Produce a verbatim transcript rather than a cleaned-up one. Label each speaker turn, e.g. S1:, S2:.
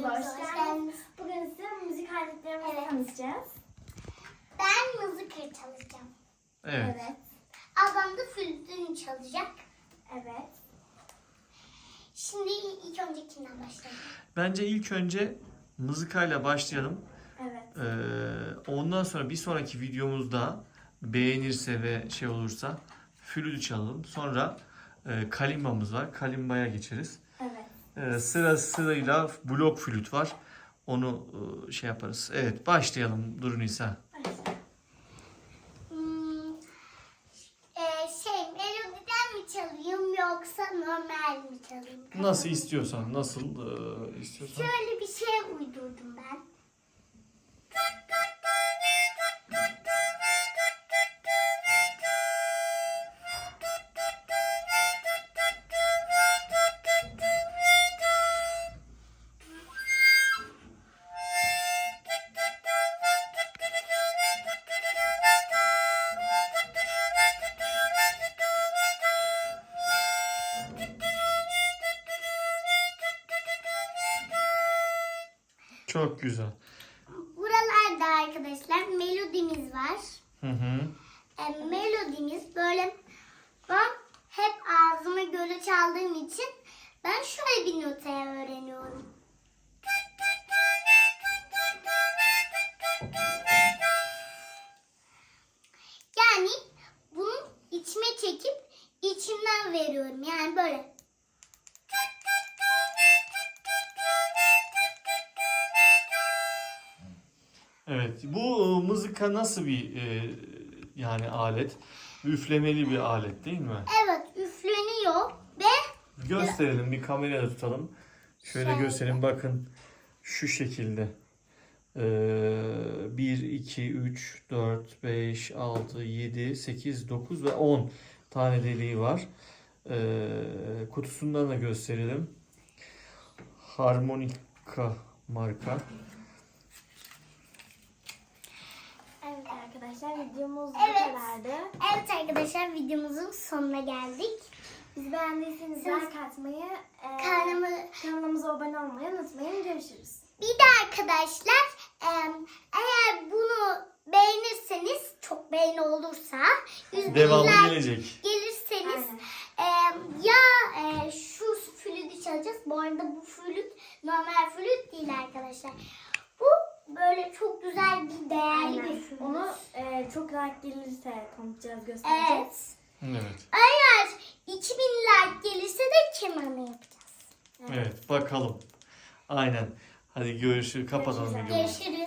S1: videomuza hoş geldiniz. Bugün size müzik aletlerimizi evet. tanıtacağız.
S2: Ben mızıka çalacağım.
S3: Evet.
S1: evet.
S2: Ablam da flütünü çalacak.
S1: Evet.
S2: Şimdi ilk önce kimden başlayalım?
S3: Bence ilk önce mızıkayla başlayalım.
S1: Evet.
S3: Ee, ondan sonra bir sonraki videomuzda beğenirse ve şey olursa flütü çalalım. Sonra e, kalimbamız var. Kalimbaya geçeriz.
S1: Evet.
S3: Ee, sıra sırayla blok flüt var. Onu e, şey yaparız. Evet, başlayalım Duru Nisa.
S2: Hmm, e, şey melodiden mi çalayım yoksa normal mi çalayım?
S3: Nasıl istiyorsan, nasıl e, istiyorsan.
S2: Şöyle bir şey uydurdum ben.
S3: Çok güzel.
S2: Buralarda arkadaşlar melodimiz var.
S3: Hı hı.
S2: E, melodimiz böyle ben hep ağzıma göre çaldığım için ben şöyle bir notaya öğreniyorum. Yani bunu içime çekip içimden veriyorum. Yani böyle.
S3: Evet. Bu e, mızıka nasıl bir e, yani alet? Üflemeli bir alet değil mi?
S2: Evet, üfleniyor ve
S3: Gösterelim, bir kameraya tutalım. Şöyle
S2: Şöyle.
S3: göstereyim, bakın şu şekilde. Ee, bir, iki, üç, dört, beş, altı, yedi, sekiz, dokuz ve on tane deliği var. Ee, kutusundan da gösterelim. Harmonika marka.
S1: Evet arkadaşlar videomuz
S2: Evet.
S1: bu kadardı.
S2: evet arkadaşlar videomuzun sonuna geldik.
S1: Bizi beğendiyseniz
S2: Siz-
S1: like atmayı, e,
S2: Kanalımı
S1: kanalımıza abone olmayı unutmayın. Görüşürüz.
S2: bir de arkadaşlar e, eğer bunu beğenirseniz çok beğeni olursa yüz
S3: Devamı
S2: binler
S3: gelecek.
S2: gelirseniz
S1: Aynen.
S2: e, ya e, şu flütü çalacağız. Bu arada bu flüt normal flüt değil arkadaşlar. Bu böyle çok güzel bir değerli
S1: Aynen.
S2: bir flüt.
S1: Onu e, çok like gelirse tanıtacağız, göstereceğiz.
S2: Evet.
S3: Evet.
S2: Eğer iki bin like gelirse de kemanı yapacağız.
S3: Evet, bakalım. Aynen. Hadi görüşürüz. Kapatalım
S1: Görüşürüz.
S3: videoyu.
S2: Görüşürüz.